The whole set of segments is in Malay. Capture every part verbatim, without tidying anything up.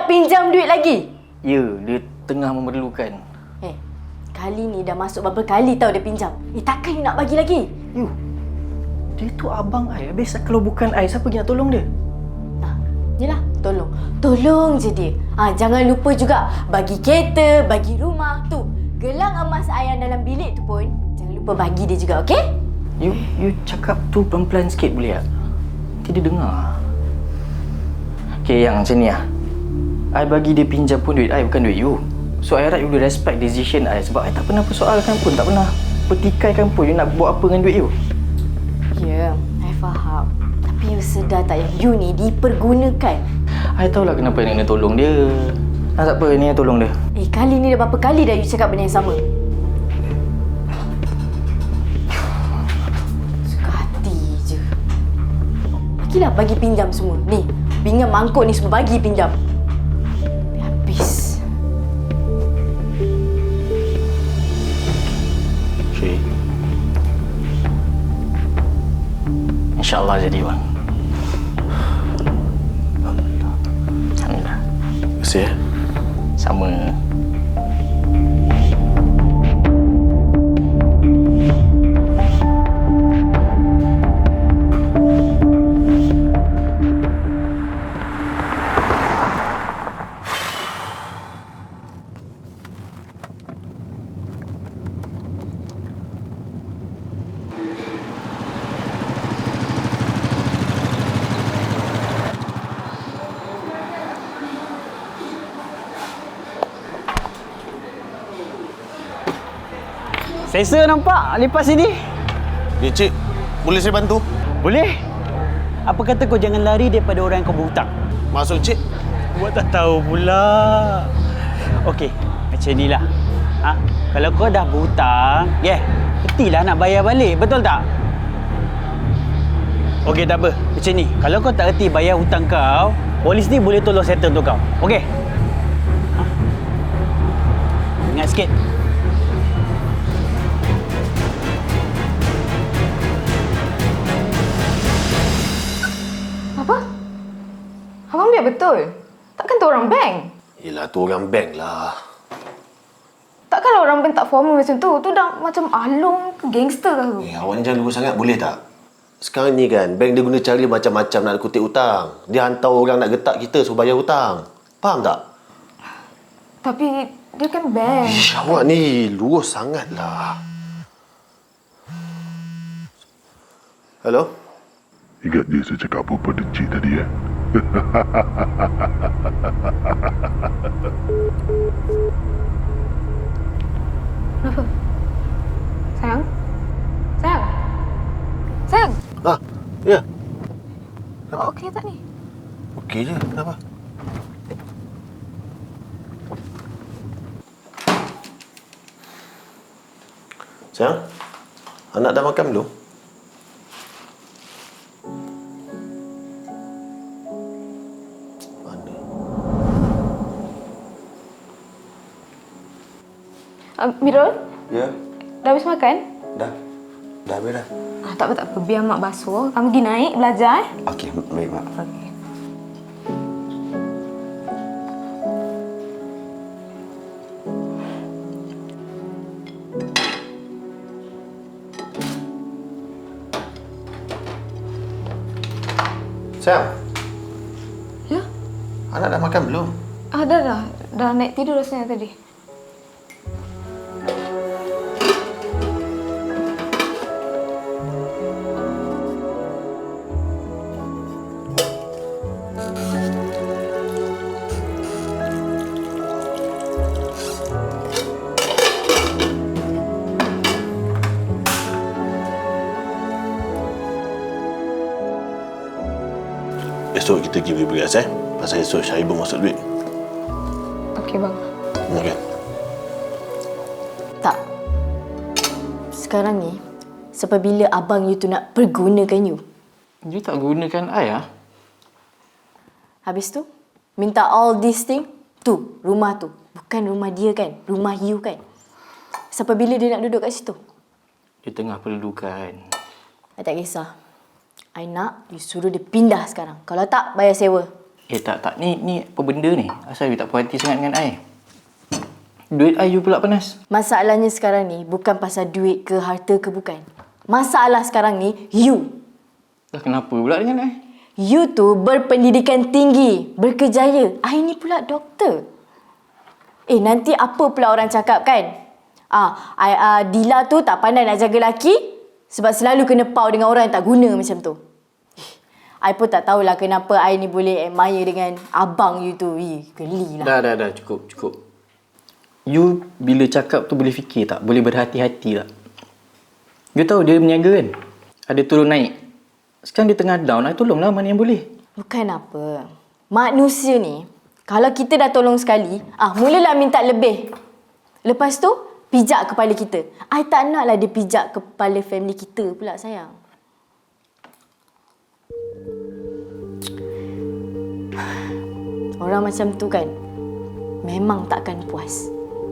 pinjam duit lagi? Ya, dia tengah memerlukan. Eh, kali ni dah masuk berapa kali tau dia pinjam. Eh, takkan you nak bagi lagi? You, dia tu abang I. Habis kalau bukan I, siapa pergi nak tolong dia? Nah, yelah, tolong. Tolong je dia. Ha, jangan lupa juga bagi kereta, bagi rumah tu. Gelang emas I yang dalam bilik tu pun, jangan lupa bagi dia juga, okey? You, you cakap tu pelan-pelan sikit boleh tak? Nanti dia dengar. Okay, yang macam ni lah. I bagi dia pinjam pun duit I, bukan duit you. So, I harap you boleh respect decision I. Sebab I tak pernah persoalkan pun, tak pernah pertikaikan pun you nak buat apa dengan duit you. Ya, yeah, I faham. Tapi you sedar tak yang you ni dipergunakan? I tahulah kenapa nak kena tolong dia. Ah, tak apa, ni tolong dia. Eh, kali ni dah berapa kali dah you cakap benda yang sama? Suka hati je. Bagilah bagi pinjam semua. Ni, pinggan mangkuk ni semua bagi pinjam. Habis. Okay. InsyaAllah jadi bang. Alhamdulillah. Alhamdulillah. Terima kasih ya. Sama. Selesa nampak lepas sini. Ya, cik. Boleh saya bantu? Boleh. Apa kata kau jangan lari daripada orang yang kau berhutang? Maksud cik? Buat tak tahu pula. Okey, macam inilah. Ha? Kalau kau dah berhutang, yeah, mestilah nak bayar balik, betul tak? Okey, tak apa. Macam ni, kalau kau tak reti bayar hutang kau, polis ni boleh tolong settle untuk kau. Okey? Ha? Ingat sikit. Abang biar betul. Takkan tu orang bank? Yelah, tu orang bank lah. Takkan orang bank tak formal macam tu? Tu dah macam alung ke gangster ke tu? Eh, awak ni jangan lupa sangat, boleh tak? Sekarang ni kan, bank dia guna cara macam-macam nak kutip hutang. Dia hantar orang nak getak kita suruh bayar hutang. Faham tak? Tapi dia kan bank. Ish, awak ni lurus sangat lah. Hello? Ingat dia saya cakap apa pada cik tadi ya? Kenapa? Sayang? Sayang? Sayang? Ah, ya. Oh, okey tak ni? Okey je, kenapa? Sayang, anak dah makan belum? Mana? Uh, Mirul? Ya, Dah habis makan? dah. Dah habis dah. Ah, tak apa, tak apa. Biar mak basuh. Kamu pergi naik belajar eh. Okey, baik mak. Okey. Sayang, Ya? anak dah makan belum? Ah, dah dah. Dah naik tidur rasanya tadi. Esok kita pergi beli beras eh. Pasal esok Syahir belum masuk duit. Okey, bang. Okey. Tak. Sekarang ni, sampai bila abang you tu nak pergunakan you? You tak gunakan I lah. Habis tu, minta all this thing, tu, rumah tu. Bukan rumah dia kan, rumah you kan. Sampai bila dia nak duduk kat situ? Dia tengah perlukan. I tak kisah. I nak you suruh dia pindah sekarang. Kalau tak, bayar sewa. Eh tak, tak. Ni ni apa benda ni? Asal you tak puas hati sangat dengan I? Duit I you pula panas. Masalahnya sekarang ni bukan pasal duit ke harta ke bukan. Masalah sekarang ni you. Dah kenapa pula dengan I? You tu berpendidikan tinggi, berkejaya. I ni pula doktor. Eh, nanti apa pula orang cakap kan? Ah, I, uh, Dila tu tak pandai nak jaga lelaki sebab selalu kena pau dengan orang yang tak guna macam tu. Eh, I pun tak tahulah kenapa I ni boleh admire dengan abang you tu. Eh, geli lah. Dah, dah, dah. Cukup, cukup. You bila cakap tu boleh fikir tak? Boleh berhati-hati tak? You tahu dia berniaga kan? Ada turun naik. Sekarang dia tengah down. I tolonglah mana yang boleh. Bukan apa. Manusia ni, kalau kita dah tolong sekali, ah mulalah minta lebih. Lepas tu, pijak kepala kita. I tak naklah dia pijak kepala family kita pula, sayang. Orang macam tu kan, memang takkan puas.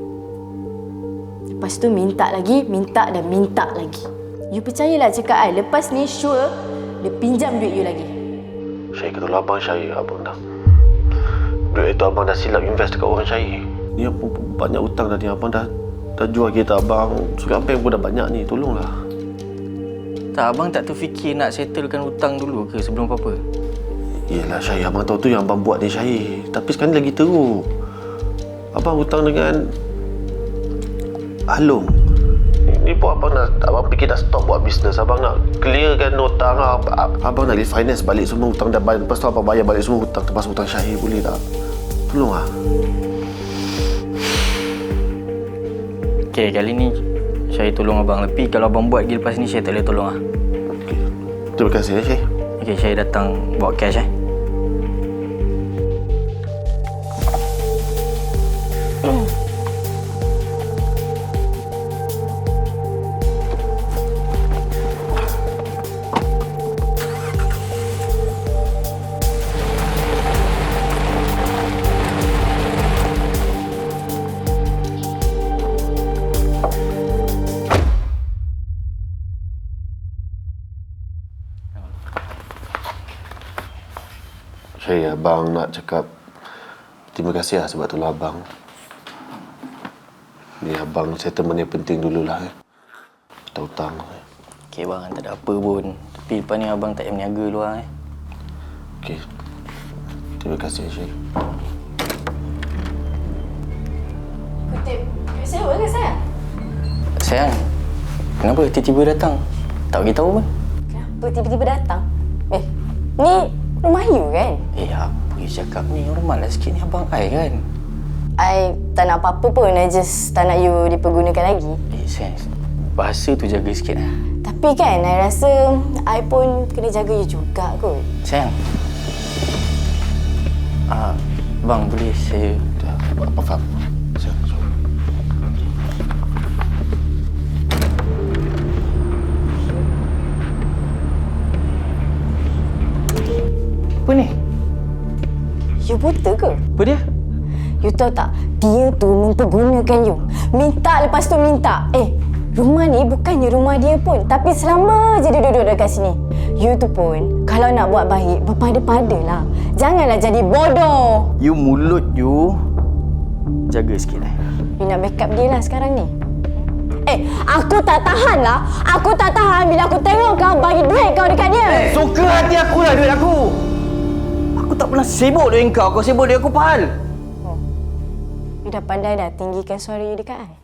Lepas tu minta lagi, minta dan minta lagi. You percayalah cakap I, lepas ni sure dia pinjam duit you lagi. Syahir kata abang Syahir, abang dah. Duit itu abang dah silap invest dekat orang Syahir. Ni apa banyak hutang dah ni, abang dah dah jual kereta abang. Surat bank pun dah banyak ni, tolonglah. Tak, abang tak terfikir nak settlekan hutang dulu ke sebelum apa-apa? Yelah Syahir, abang tahu tu yang abang buat ni Syahir. Tapi sekarang ni lagi teruk. Abang hutang dengan Along. Ni pun abang nak, abang fikir dah stop buat bisnes. Abang nak clearkan hutang. Abang nak refinance balik semua hutang dah bayar. Lepas tu abang bayar balik semua hutang. Termasuk hutang Syahir, boleh tak? Tolong lah. Okay, kali ni Syahir tolong abang. Tapi kalau abang buat lagi lepas ni, Syahir tak boleh tolong lah. Okay. Terima kasih ya Syahir. Okay, Syahir datang bawa cash eh. Syahir, abang nak cakap terima kasih lah sebab tolong abang. Ni abang settlement yang penting dululah eh. Hutang-hutang. Okay bang, tak ada apa pun. Tapi lepas ni abang tak payah berniaga luar eh. Okey. Terima kasih Syahir. Kutip, duit sewa ke sayang? Sayang, kenapa tiba-tiba datang? Tak beritahu pun. Kenapa tiba-tiba datang? Eh, ni rumah you kan? Eh, apa you cakap ni? Normal lah sikit ni abang I kan? I tak nak apa-apa pun, I just tak nak you dipergunakan lagi. Eh, sayang, bahasa tu jaga sikit lah. Tapi kan, I rasa I pun kena jaga you juga kot. Sayang. Ah, bang boleh saya... Dah, apa faham? Sayang, sorry. Apa ni? You buta ke? Apa dia? You tahu tak, dia tu mempergunakan you. Minta lepas tu minta. Eh, rumah ni bukannya rumah dia pun. Tapi selama je dia duduk dekat sini. You tu pun, kalau nak buat baik, berpada-padalah. Janganlah jadi bodoh. You mulut you jaga sikit lah. You nak backup dia lah sekarang ni. Eh, aku tak tahan lah. Aku tak tahan bila aku tengok kau bagi duit kau dekat dia. Eh, suka hati aku lah duit aku. Aku tak pernah sibuk dengan kau. Kau sibuk dengan aku, Pahal. Oh. You dah pandai dah tinggikan suara you dekat I.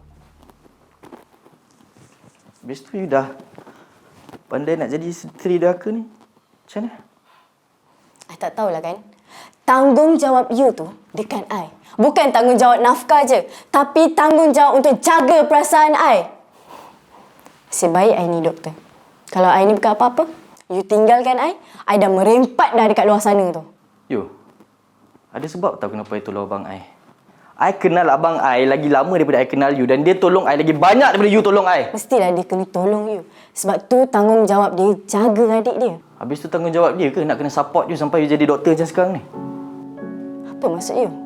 Habis tu you dah pandai nak jadi isteri derhaka ni. Macam mana? I tak tahulah kan. Tanggungjawab you tu dekat I. Bukan tanggungjawab nafkah je. Tapi tanggungjawab untuk jaga perasaan I. Sebaik I ni doktor. Kalau I ni bukan apa-apa, you tinggalkan I, I dah merempat dah dekat luar sana tu. Yo, ada sebab tak kenapa I tolong abang I? I kenal abang I lagi lama daripada I kenal you. Dan dia tolong I lagi banyak daripada you tolong I. Mestilah dia kena tolong you. Sebab tu tanggungjawab dia jaga adik dia. Habis tu tanggungjawab dia ke nak kena support you sampai you jadi doktor macam sekarang ni? Apa maksud you?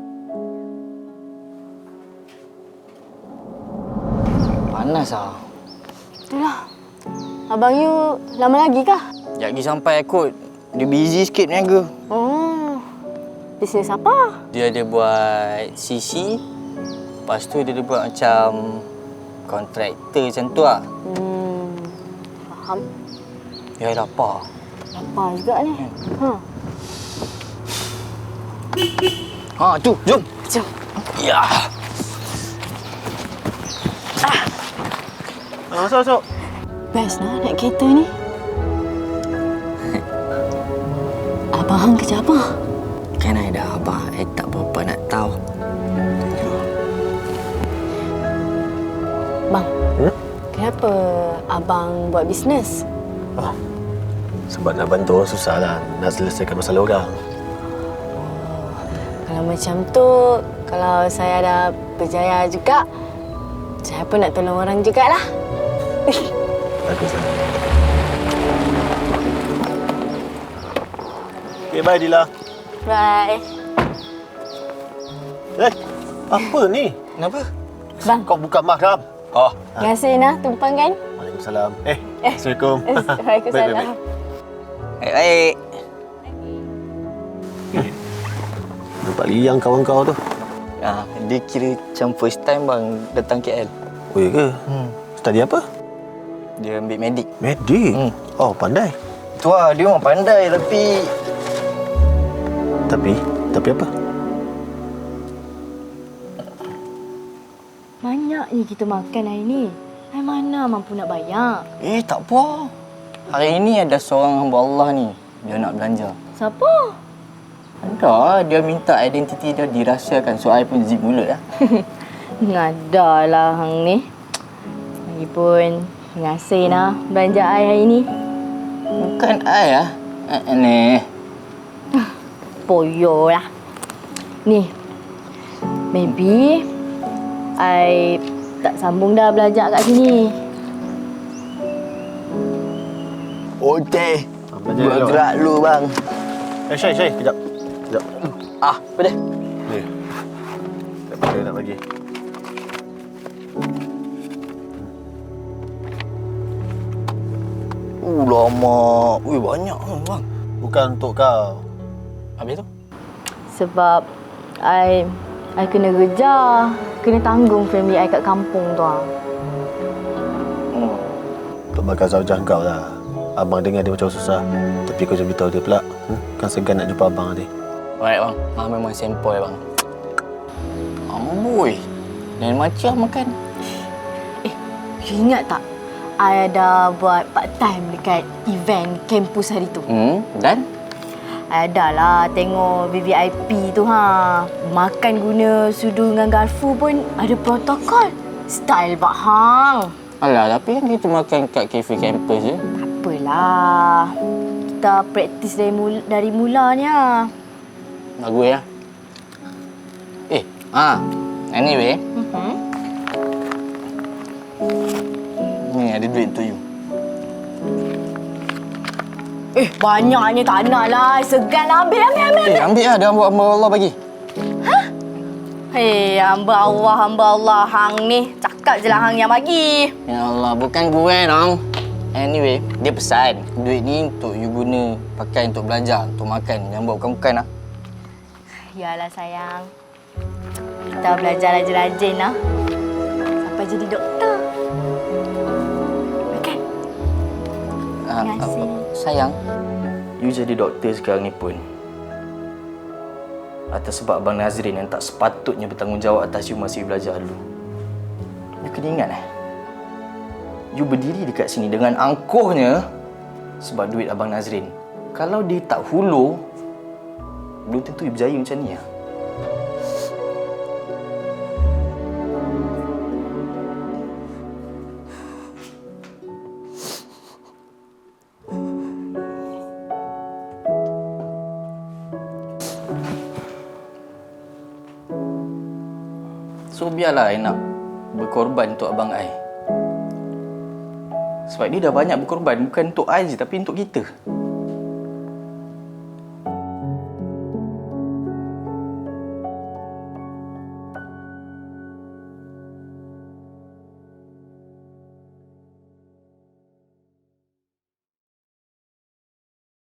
Panas lah. Itulah. Abang you lama lagi kah? Sekejap lagi sampai kot. Dia busy sikit berniaga. Oh. Bisnes apa? Dia ada buat C C. Lepas tu dia ada buat macam kontraktor macam tu lah. Hmm, faham. Ya, lapar. Lapar juga ni. Ha. Ha, tu, jom. Jom. Ya. Ah, masuk, masuk. Best lah naik kereta ni. Abang Hang kerja apa? Kan ada abang, I tak berapa nak tahu. Bang, Hmm? kenapa abang buat bisnes? Oh, sebab nak bantu orang susah lah. Nak selesaikan masalah orang. Kalau macam tu, kalau saya dah berjaya juga, saya pun nak tolong orang jugalah. Baguslah. Okay, bye Dila. Bye. Eh, apa ni? Kenapa? Bang, Kau buka mahram. Oh, terima kasih Nah, tumpang kan? Waalaikumsalam. Eh, Eh. Assalamualaikum. Waalaikumsalam. Baik, baik, baik-baik. baik. Nampak liang kawan kau tu. Ah, dia kira macam first time bang datang K L. Oh, ya ke? Hmm. Study apa? Dia ambil medik. Medik? Hmm. Oh, pandai. Tu lah, dia orang pandai tapi... Tapi, tapi apa? Banyaknya kita makan hari ni. Hai mana mampu nak bayar? Eh, tak apa. Hari ini ada seorang hamba Allah ni. Dia nak belanja. Siapa? Ada, dia minta identiti dia dirahsiakan. So, I pun zip mulut lah. Ngadalah hang ni. Lagipun, terima kasih Nah belanja ai hari ni. Bukan I lah. Eh, ni. Poyo lah. Ni, maybe I tak sambung dah belajar kat sini. Okey. Ah, belajar dulu. Bergerak dulu bang. Eh, Syai, Syai. Kejap. Kejap. Ah, apa dia? Ni. Tak boleh nak bagi. Uh, lama. Ui, banyak bang. Bukan untuk kau. Habis tu? Sebab I I kena kerja, kena tanggung family I kat kampung tu ah. Hmm. Untuk bakal zaujah kau lah. Abang dengar dia macam susah. Tapi kau jangan beritahu dia pula. Hmm? Kan segan nak jumpa abang nanti. Baik bang. Ah, memang sempoi bang. Amboi. Lain macam makan. Eh, you ingat tak? I ada buat part time dekat event kampus hari tu. Hmm, dan? I ada lah tengok V V I P tu ha. Makan guna sudu dengan garfu pun ada protokol. Style Pak Hang. Alah, tapi kan kita makan kat kafe kampus je. Tak apalah. Kita praktis dari mula, dari mulanya. Bagus ya. Eh, ah, anyway, Mhm. ni ada duit untuk you. Eh, banyaknya tak nak lah. Segan lah. Ambil, ambil, ambil. Eh, ambil lah. Dia hamba hamba Allah bagi. Hei, hamba Allah, hamba Allah. Hang ni. Cakap je lah Hang yang bagi. Ya Allah, bukan gue dong. Anyway, dia pesan. Duit ni untuk you guna pakai untuk belajar, untuk makan. Jangan buat bukan-bukan lah. Yalah sayang. Kita belajar rajin-rajin lah. Sampai jadi doktor. Makan. Ah, Terima kasih. apa- Sayang. You jadi doktor sekarang ni pun atas sebab Abang Nazrin yang tak sepatutnya bertanggungjawab atas you masih belajar dulu. You kena ingat eh, you berdiri dekat sini dengan angkuhnya sebab duit Abang Nazrin. Kalau dia tak hulur, belum tentu you berjaya macam ni lah. So biarlah I nak berkorban untuk abang I. Sebab dia dah banyak berkorban bukan untuk I je tapi untuk kita.